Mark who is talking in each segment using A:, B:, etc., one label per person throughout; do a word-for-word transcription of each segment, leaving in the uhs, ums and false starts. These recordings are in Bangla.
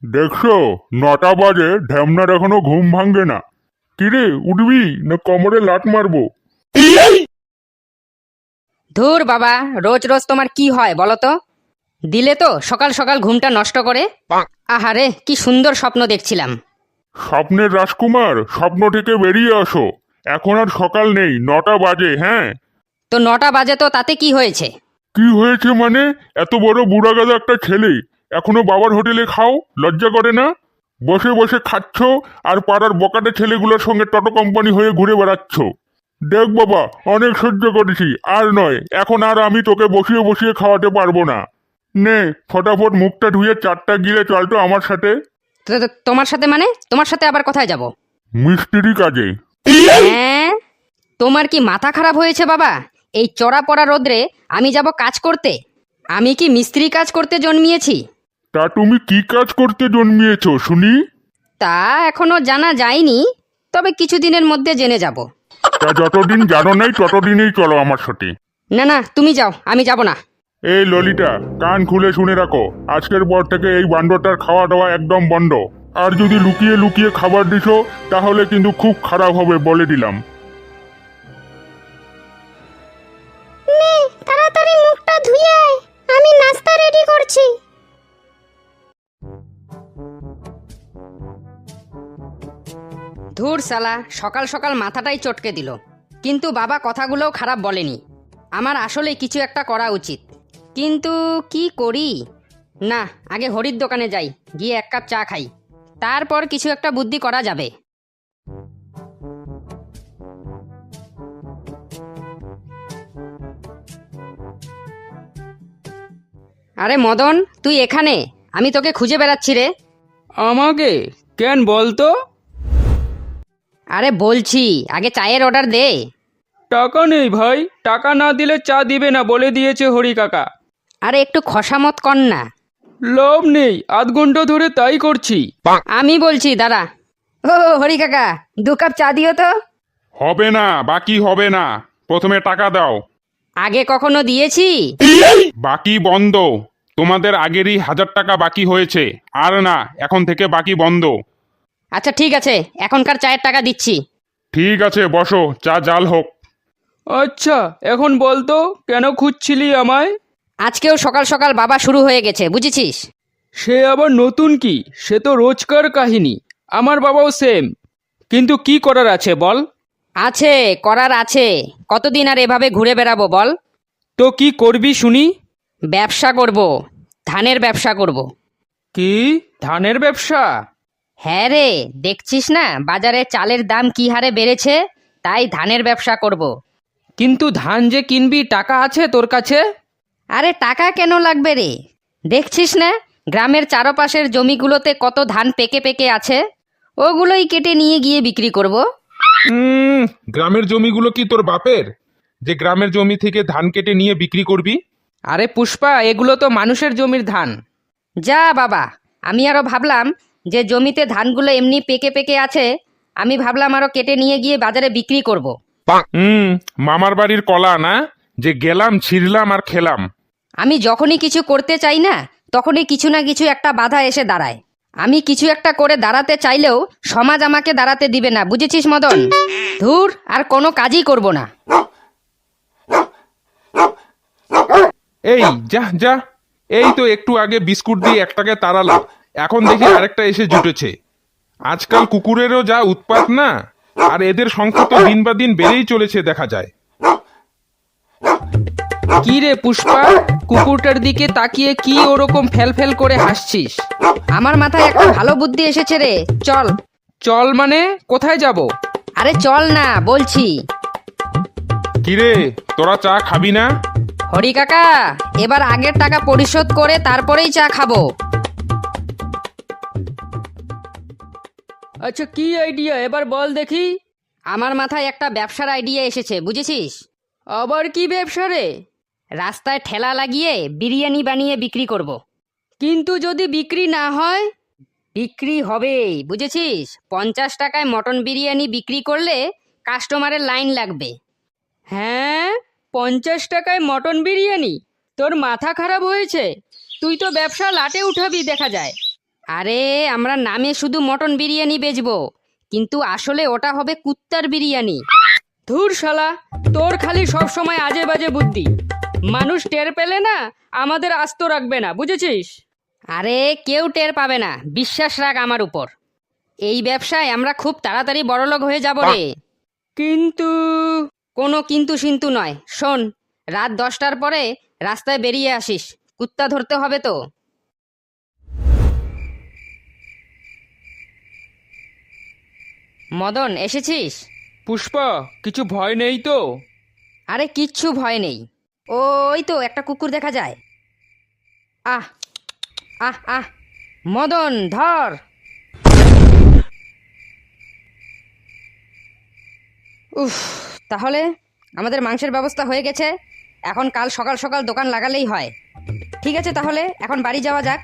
A: দেখছো, নটা বাজে, ঢ্যামনার এখনো ঘুম ভাঙবে না। কিরে, উঠবি না কোমরে লাট মারবো?
B: ধুর বাবা, রোজ রোজ তোমার কি হয় বলো তো? দিলে তো সকাল সকাল ঘুমটা নষ্ট করে। আহারে, কি সুন্দর স্বপ্ন দেখছিলাম।
A: স্বপ্নের রাজকুমার, স্বপ্ন থেকে বেরিয়ে আসো। এখন আর সকাল নেই, নটা বাজে। হ্যাঁ,
B: তো নটা বাজে তো তাতে কি হয়েছে?
A: কি হয়েছে মানে? এত বড় বুড়া গাদা একটা ছেলে এখনো বাবার হোটেলে খাও, লজ্জা করে না? বসে বসে খাচ্ছ আর পাড়ার বকাটে ছেলেগুলোর সঙ্গে টটো কোম্পানি হয়ে ঘুরে বেড়াচ্ছ। দেখ বাবা, অনেক সহ্য করেছি, আর নয়, এখন আর আমি তোকে বসিয়ে বসিয়ে খাওয়াতে পারবো না। নে, ফটাফট মুখটা ধুয়ে চারটা গিলে চল তো আমার সাথে।
B: তো- তো- তোমার সাথে মানে? তোমার সাথে আবার কোথায় যাব?
A: মিস্ত্রি কাজে।
B: হ্যাঁ, তোমার কি মাথা খারাপ হয়েছে বাবা? এই চড়া পড়া রোদ্রে আমি যাব কাজ করতে? আমি কি মিস্ত্রি কাজ করতে জন্মিয়েছি?
A: তা তুমি কি কাজ করতে জন্মিয়েছো শুনি?
B: তা এখনো জানা যায়নি, তবে কিছুদিনের মধ্যে জেনে যাব।
A: তা যতদিন জানো নাই ততদিনই চলো আমার সাথে।
B: না না, তুমি যাও, আমি যাব না।
A: এই ললিতা, কান খুলে শুনে রাখো, আজকের পর থেকে এই বান্ডটার খাওয়া দাওয়া একদম বন্ধ। আর যদি লুকিয়ে লুকিয়ে খাবার দিছো তাহলে কিন্তু খুব খারাপ হবে, বলে দিলাম।
C: নে, তাড়াতাড়ি মুখটা ধুয়ে আয়, আমি নাস্তা রেডি করছি।
B: ধুর সালা, সকাল সকাল মাথাটাই চটকে দিল। কিন্তু বাবা কথাগুলোও খারাপ বলেনি। আমার আসলে কিছু একটা করা উচিত, কিন্তু কি করি? না, আগে হরির দোকানে যাই, গিয়ে এক কাপ চা খাই, তারপর কিছু একটা বুদ্ধি করা যাবে। আরে মদন, তুই এখানে? আমি তোকে খুঁজে বেড়াচ্ছি রে।
D: আমাকে কেন বলতো?
B: আরে বলছি, আগে চায়ের অর্ডার দে।
D: টাকা নেই ভাই, টাকা না দিলে চা দিবে না বলে দিয়েছে হরি কাকা।
B: আরে একটু খসামত কর না।
D: লাভ নেই, আধ ঘন্টা ধরে তাই করছি।
B: আমি বলছি দাঁড়া। ও হরি কাকা, দু কাপ চা দিও তো।
A: হবে না, বাকি হবে না, প্রথমে টাকা দাও।
B: আগে কখনো দিয়েছি?
A: বাকি বন্ধ। তোমাদের আগেরই হাজার টাকা বাকি হয়েছে, আর না, এখন থেকে বাকি বন্ধ।
B: আচ্ছা ঠিক আছে, এখনকার চায়ের টাকা দিচ্ছি।
A: ঠিক আছে, বসো, চা জাল হোক।
D: আচ্ছা, এখন বলতো কেন খুঁজছিলি আমায়?
B: আজকেও সকাল সকাল বাবা শুরু হয়ে গেছে, বুঝেছিস?
D: সে আবার নতুন কি? সে তো রোজকার কাহিনী। আমার বাবাও সেম। কিন্তু কি করার আছে বল?
B: আছে, করার আছে। কতদিন আর এভাবে ঘুরে বেড়াবো বল?
D: তো কি করবি শুনি?
B: ব্যবসা করব, ধানের ব্যবসা করব।
D: কি, ধানের ব্যবসা?
B: হ্যাঁ রে, দেখছিস না বাজারে চালের দাম কি হারে বেড়েছে, তাই ধানের ব্যবসা করব।
D: কিন্তু ধান যে কিনবি, টাকা আছে তোর কাছে?
B: আরে টাকা কেন লাগবে রে? দেখছিস না গ্রামের চারপাশের জমিগুলোতে কত ধান পেকে পেকে আছে, ওগুলোই কেটে নিয়ে গিয়ে বিক্রি করব।
E: উম, গ্রামের জমিগুলো কি তোর বাপের, যে গ্রামের জমি থেকে ধান কেটে নিয়ে বিক্রি করবি?
D: আরে পুষ্পা, এগুলো তো মানুষের জমির ধান।
B: যা বাবা, আমি আরো ভাবলাম যে জমিতে ধানগুলো এমনি পেকে পেকে আছে, আমি ভাবলাম আরো কেটে নিয়ে গিয়ে বাজারে বিক্রি করব।
E: হুম, মামার বাড়ির কলা না, যে গেলাম ছিঁড়লাম আর খেলাম।
B: আমি যখনই কিছু করতে চাই না, তখনই কিছু না কিছু একটা বাধা এসে দাঁড়ায়। আমি কিছু একটা করে দাঁড়াতে চাইলেও সমাজ আমাকে দাঁড়াতে দিবে না, বুঝেছিস মদন? ধুর, আর কোনো কাজই করব না।
E: এই যা যা, এই তো একটু আগে বিস্কুট দিয়ে একটাকে তাড়ালাম, এখন দেখি আরেকটা এসে জুটেছে। আজকাল কুকুরেরও যা উৎপাত না, আর এদের সংখ্যা তো দিন বা দিন বেড়েই চলেছে দেখা যায়।
D: কি রে পুষ্পা, কুকুরটার দিকে তাকিয়ে কি ওরকম ফেল ফেল করে হাসছিস?
B: আমার মাথায় একটা ভালো বুদ্ধি এসেছে রে, চল।
D: চল মানে কোথায় যাব?
B: আরে চল না বলছি।
E: কিরে, তোরা চা খাবি না?
B: হরি কাকা, এবার আগের টাকা পরিশোধ করে তারপরেই চা খাবো।
D: আচ্ছা, কি আইডিয়া এবার বল দেখি।
B: আমার মাথায় একটা ব্যবসার আইডিয়া এসেছে, বুঝেছিস?
D: আবার কি ব্যবসা রে?
B: রাস্তায় ঠেলা লাগিয়ে বিরিয়ানি বানিয়ে বিক্রি করব।
D: কিন্তু যদি বিক্রি না হয়?
B: বিক্রি হবেই, বুঝেছিস? পঞ্চাশ টাকায় মটন বিরিয়ানি বিক্রি করলে কাস্টমারের লাইন লাগবে।
D: হ্যাঁ, পঞ্চাশ টাকায় মটন বিরিয়ানি? তোর মাথা খারাপ হয়েছে? তুই তো ব্যবসা লাটে উঠাবি দেখা যায়।
B: আরে আমরা নামে শুধু মটন বিরিয়ানি বেচবো, কিন্তু আসলে ওটা হবে কুত্তার বিরিয়ানি। ধুর শালা, তোর খালি সব সময় আজে বাজে বুদ্ধি। মানুষ টের পেলে না আমাদের আস্ত রাখবে না, বুঝেছিস? আরে কেউ টের পাবে না, বিশ্বাস রাখ আমার উপর। এই ব্যবসায় আমরা খুব তাড়াতাড়ি বড়লোক হয়ে যাব রে। কিন্তু কোনো কিন্তু সিন্তু নয়। শোন, রাত দশটার পরে রাস্তায় বেরিয়ে আসিস, কুত্তা ধরতে হবে তো। মদন, এসেছিস?
D: পুষ্পা, কিছু ভয় নেই তো?
B: আরে কিচ্ছু ভয় নেই। ওই তো একটা কুকুর দেখা যায়। আহ আহ আহ মদন, ধর। উফ, তাহলে আমাদের মাংসের ব্যবস্থা হয়ে গেছে। এখন কাল সকাল সকাল দোকান লাগালেই হয়। ঠিক আছে, তাহলে এখন বাড়ি যাওয়া যাক।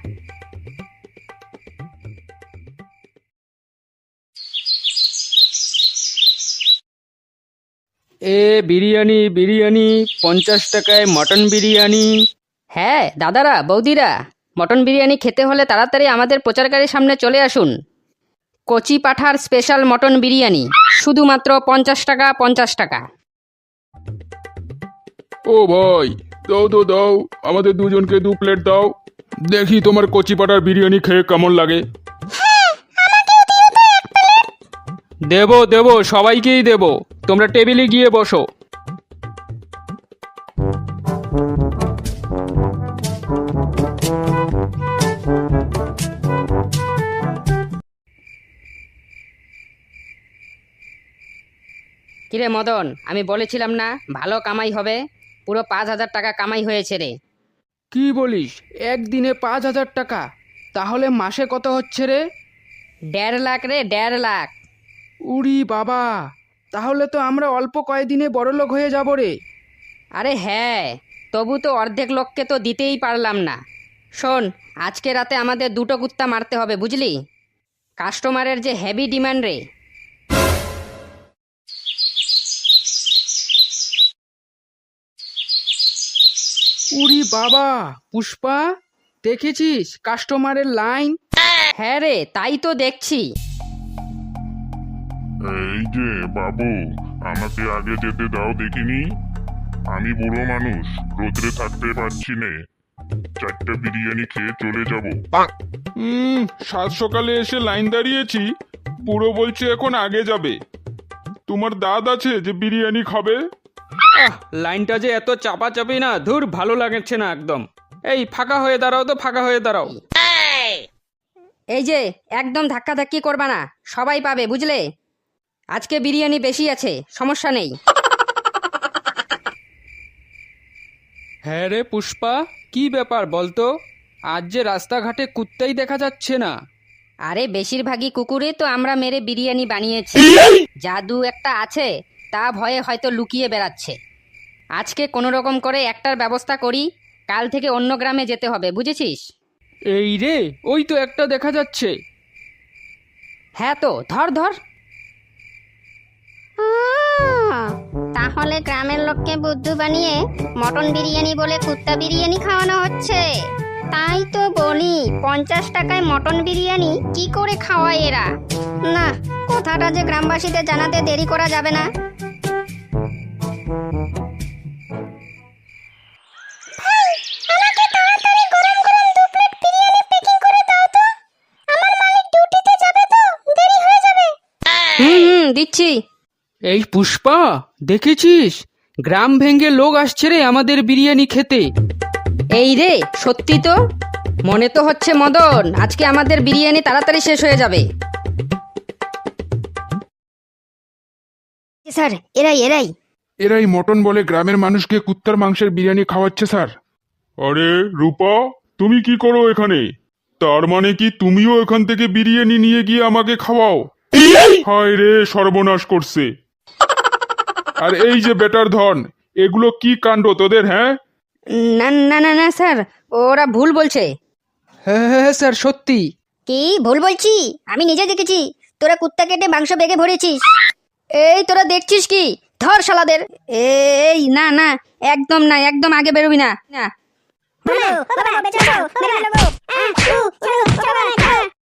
D: এ বিরিয়ানি বিরিয়ানি পঞ্চাশ টাকায় মটন বিরিয়ানি।
B: হ্যাঁ দাদারা, বৌদিরা, মটন বিরিয়ানি খেতে হলে তাড়াতাড়ি আমাদের প্রচারকারীর সামনে চলে আসুন। কচি পাঠার স্পেশাল মটন বিরিয়ানি, শুধুমাত্র পঞ্চাশ টাকা পঞ্চাশ টাকা।
A: ও ভাই, দাও তো দাও, আমাদের দুজনকে দু প্লেট দাও, দেখি তোমার কচি পাটার বিরিয়ানি খেয়ে কেমন লাগে।
D: দেবো দেবো, সবাইকেই দেবো। তোমরা টেবিলে গিয়ে বসো।
B: কিরে মদন, আমি বলেছিলাম না ভালো কামাই হবে? পুরো পাঁচ হাজার টাকা কামাই হয়েছে রে।
D: কি বলিস, একদিনে পাঁচ হাজার টাকা? তাহলে মাসে কত হচ্ছে রে?
B: দেড় লাখ রে, দেড় লাখ।
D: উরি বাবা, তাহলে তো আমরা অল্প কয়েকদিনে বড়লোক হয়ে যাব রে।
B: আরে হ্যাঁ, তবু তো অর্ধেক লোককে তো দিতেই পারলাম না। শোন, আজকে রাতে আমাদের দুটো কুত্তা মারতে হবে, বুঝলি? কাস্টমারের যে হেভি ডিমান্ড রে।
D: উরি বাবা, পুষ্পা, দেখেছিস কাস্টমারের লাইন?
B: হ্যাঁ রে, তাই তো দেখছি।
A: এই যে বাবু, আমাকে আগে যেতে দাও দেখিনি। আমি বুড়ো মানুষ, রোদ্রে থাকতে পারছি নে, চারটা বিরিয়ানি খেয়ে চলে যাব। হুম, সাত সকালে এসে লাইন দাঁড়িয়েছি, পুরো বলছে এখন আগে যাবে। তোমার দাদ আছে যে বিরিয়ানি খাবে?
D: আহ, লাইনটা যে এত চাপাচাপি না, ধুর, ভালো লাগছে না একদম। এই ফাঁকা হয়ে দাঁড়াও তো, ফাঁকা হয়ে দাঁড়াও।
B: এই যে একদম ধাক্কাধাক্কি করবা না, সবাই পাবে, বুঝলে? আজকে বিরিয়ানি বেশি আছে, সমস্যা নেই।
D: হ্যাঁ রে পুষ্পা, কি ব্যাপার বলতো? আজ যে রাস্তাঘাটে কুত্তাই দেখা যাচ্ছে না।
B: আরে বেশিরভাগই কুকুরে তো আমরা মেরে বিরিয়ানি বানিয়েছি। জাদু একটা আছে, তা ভয়ে হয়তো লুকিয়ে বেড়াচ্ছে। আজকে কোনো রকম করে একটার ব্যবস্থা করি, কাল থেকে অন্য গ্রামে যেতে হবে, বুঝেছিস?
D: এই রে, ওই তো একটা দেখা যাচ্ছে।
B: হ্যাঁ তো, ধর ধর।
C: আহ, তাহলে গ্রামের লোককে বুদ্ধু বানিয়ে মটন বিরিয়ানি বলে কুত্তা বিরিয়ানি খাওয়ানো হচ্ছে। তাই তো বলি, পঞ্চাশ টাকায় মটন বিরিয়ানি কি করে খাওয়ায় এরা? না, কথাটা যে গ্রামবাসীদের জানাতে দেরি করা যাবে না।
B: হুম হুম, দিচ্ছি।
D: এই পুষ্পা, দেখেছিস গ্রাম ভেঙে লোক আসছে রে আমাদের বিরিয়ানি খেতে।
B: এই রে, সত্যি তো। মনে তো হচ্ছে মদন, আজকে আমাদের বিরিয়ানি তাড়াতাড়ি শেষ হয়ে যাবে।
C: স্যার, এরাই এরাই
E: এরাই মটন বলে গ্রামের মানুষকে কুত্তার মাংসের বিরিয়ানি খাওয়াচ্ছে স্যার।
A: আরে রূপা, তুমি কি করো এখানে? তার মানে কি তুমিও এখান থেকে বিরিয়ানি নিয়ে গিয়ে আমাকে খাওয়াও? হায় রে, সর্বনাশ করছে। আর এই যে বেটার ধন, এগুলো কি কাণ্ড তোদের? হ্যাঁ,
B: না না না না স্যার, ওরা ভুল বলছে।
D: হ্যাঁ হ্যাঁ হ্যাঁ, স্যার সত্যি।
C: কি ভুল বলছি? আমি নিজে দেখেছি তোরা কুত্তা কেটে মাংস বেগে ভরেছিস।
B: এই তোরা দেখছিস কি? ধর শালাদের। এই না না, একদম না, একদম আগে বেরোবি না। না
C: বলো, বাবা, বেঁচে আছো, মেরে ফেলবো। আহ, উ, ছাড়ো, ছাড়ো, ছাড়ো।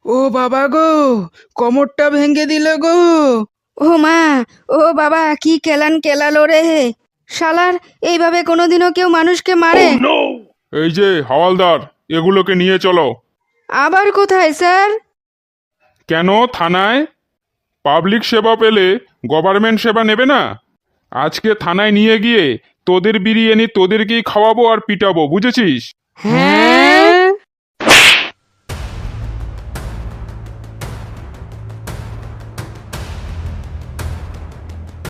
D: ও বাবা গো, কোমরটা ভেঙে দিল গো।
B: ও মা, ও বাবা, কি কেলান কেলালো রে। শালার, এইভাবে কোনোদিনও কেউ মানুষকে মারে?
A: এই যে হাওয়ালদার, এগুলোকে নিয়ে চলো।
B: আবার কোথায় স্যার?
A: কেন থানায়? পাবলিক সেবা পেলে গভর্নমেন্ট সেবা নেবে না? আজকে থানায় নিয়ে গিয়ে তোদের বিরিয়ানি তোদেরকেই খাওয়াবো আর পিটাবো, বুঝেছিস?
B: হ্যাঁ